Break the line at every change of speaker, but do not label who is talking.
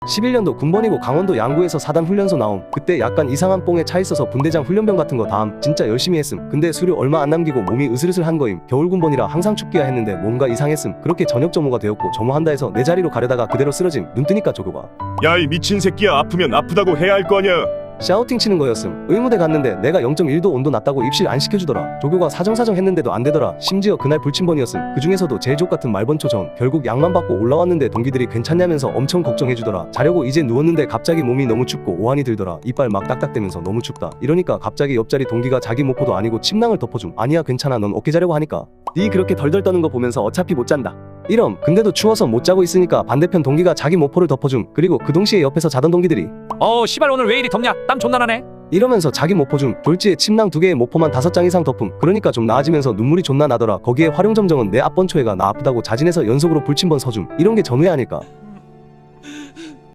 11년도 군번이고 강원도 양구에서 4단 훈련소 나옴. 그때 약간 이상한 뽕에 차 있어서 분대장 훈련병 같은 거 다음 진짜 열심히 했음. 근데 수료 얼마 안 남기고 몸이 으슬으슬한 거임. 겨울 군번이라 항상 춥기야 했는데 뭔가 이상했음. 그렇게 전역 점호가 되었고 점호한다 해서 내 자리로 가려다가 그대로 쓰러짐. 눈 뜨니까 조교가
야 이 미친 새끼야, 아프면 아프다고 해야 할 거 아냐.
샤우팅 치는 거였음. 의무대 갔는데 내가 0.1도 온도 낮다고 입실 안 시켜주더라. 조교가 사정사정 했는데도 안 되더라. 심지어 그날 불침번이었음. 그 중에서도 제일 족같은 말번초 전. 결국 약만 받고 올라왔는데 동기들이 괜찮냐면서 엄청 걱정해주더라. 자려고 이제 누웠는데 갑자기 몸이 너무 춥고 오한이 들더라. 이빨 막 딱딱대면서 너무 춥다. 이러니까 갑자기 옆자리 동기가 자기 모포도 아니고 침낭을 덮어줌. 아니야 괜찮아 넌 어깨 자려고 하니까. 니 그렇게 덜덜 떠는 거 보면서 어차피 못 잔다. 이럼 근데도 추워서 못 자고 있으니까 반대편 동기가 자기 모포를 덮어줌. 그리고 그 동시에 옆에서 자던 동기들이
시발 오늘 왜 이리 덥냐? 땀 존나 나네.
이러면서 자기 모포 줌. 졸지에 침낭 2개에 모포만 5장 이상 덮음. 그러니까 좀 나아지면서 눈물이 존나 나더라. 거기에 활용점정은 내 앞번초애가 나 아프다고 자진해서 연속으로 불침번 서줌. 이런 게 전우회 아닐까.